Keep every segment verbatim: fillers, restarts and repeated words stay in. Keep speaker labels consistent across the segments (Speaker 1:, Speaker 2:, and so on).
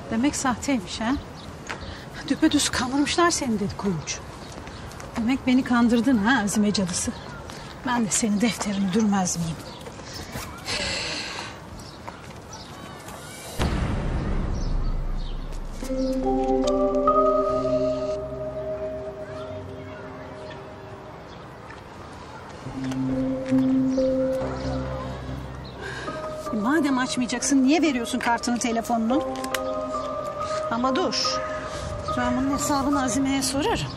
Speaker 1: Demek sahteymiş ha? Düpedüz kandırmışlar seni dedi kuyumcu. Demek beni kandırdın ha Azime cadısı. Ben de senin defterini dürmez miyim? Madem açmayacaksın niye veriyorsun kartını, telefonunu? Ama dur. Ben bunun hesabını Azime'ye sorarım.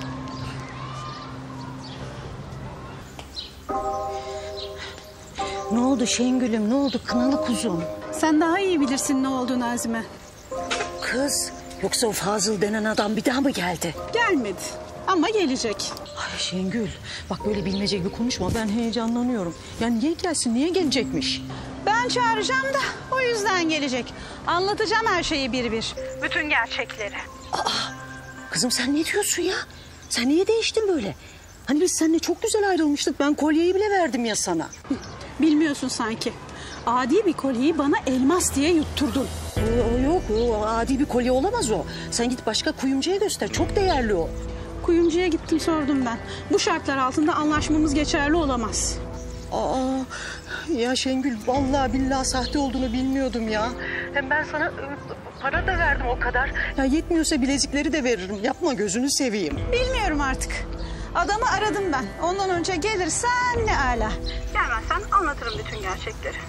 Speaker 2: Ne oldu Şengül'üm, ne oldu kınalı kuzum?
Speaker 1: Sen daha iyi bilirsin ne olduğunu Azime.
Speaker 2: Kız, yoksa o Fazıl denen adam bir daha mı geldi?
Speaker 1: Gelmedi ama gelecek.
Speaker 2: Ay Şengül, bak böyle bilmece gibi konuşma, ben heyecanlanıyorum. Yani niye gelsin, niye gelecekmiş?
Speaker 1: Ben çağıracağım da o yüzden gelecek. Anlatacağım her şeyi bir bir. Bütün gerçekleri.
Speaker 2: Aa, kızım sen ne diyorsun ya? Sen niye değiştin böyle? Hani biz seninle çok güzel ayrılmıştık. Ben kolyeyi bile verdim ya sana.
Speaker 1: Bilmiyorsun sanki. Adi bir kolyeyi bana elmas diye yutturdun.
Speaker 2: O, o yok, o adi bir kolye olamaz o. Sen git başka kuyumcuya göster, çok değerli o.
Speaker 1: Kuyumcuya gittim, sordum ben. Bu şartlar altında anlaşmamız geçerli olamaz.
Speaker 2: Aa, ya Şengül vallahi billahi sahte olduğunu bilmiyordum ya. Hem ben sana para da verdim o kadar. Ya yetmiyorsa bilezikleri de veririm. Yapma, gözünü seveyim.
Speaker 1: Bilmiyorum artık. Adamı aradım ben. Ondan önce gelirsen ne ala. Gelmezsen anlatırım bütün gerçekleri.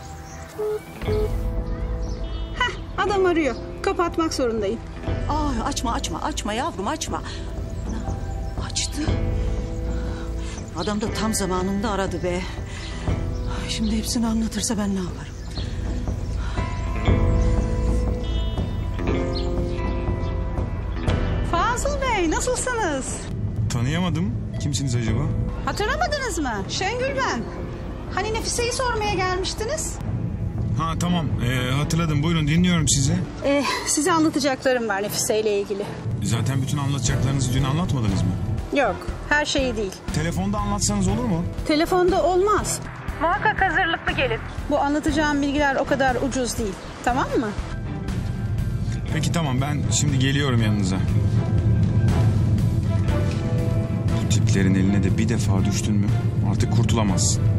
Speaker 1: Heh, adam arıyor. Kapatmak zorundayım.
Speaker 2: Aa, açma açma açma yavrum açma. Açtı. Adam da tam zamanında aradı be. Şimdi hepsini anlatırsa ben ne yaparım?
Speaker 1: Fazıl Bey, nasılsınız?
Speaker 3: Tanıyamadım. Kimsiniz acaba?
Speaker 1: Hatırlamadınız mı? Şengül ben. Hani Nefise'yi sormaya gelmiştiniz?
Speaker 3: Ha tamam, ee, hatırladım. Buyurun, dinliyorum sizi.
Speaker 1: Ee, size anlatacaklarım var Nefise ile ilgili.
Speaker 3: Zaten bütün anlatacaklarınızı dün anlatmadınız mı?
Speaker 1: Yok, her şeyi değil.
Speaker 3: Telefonda anlatsanız olur mu?
Speaker 1: Telefonda olmaz. Muhakkak hazırlıklı gelin. Bu anlatacağım bilgiler o kadar ucuz değil. Tamam mı?
Speaker 3: Peki tamam, ben şimdi geliyorum yanınıza. Bu tiplerin eline de bir defa düştün mü artık kurtulamazsın.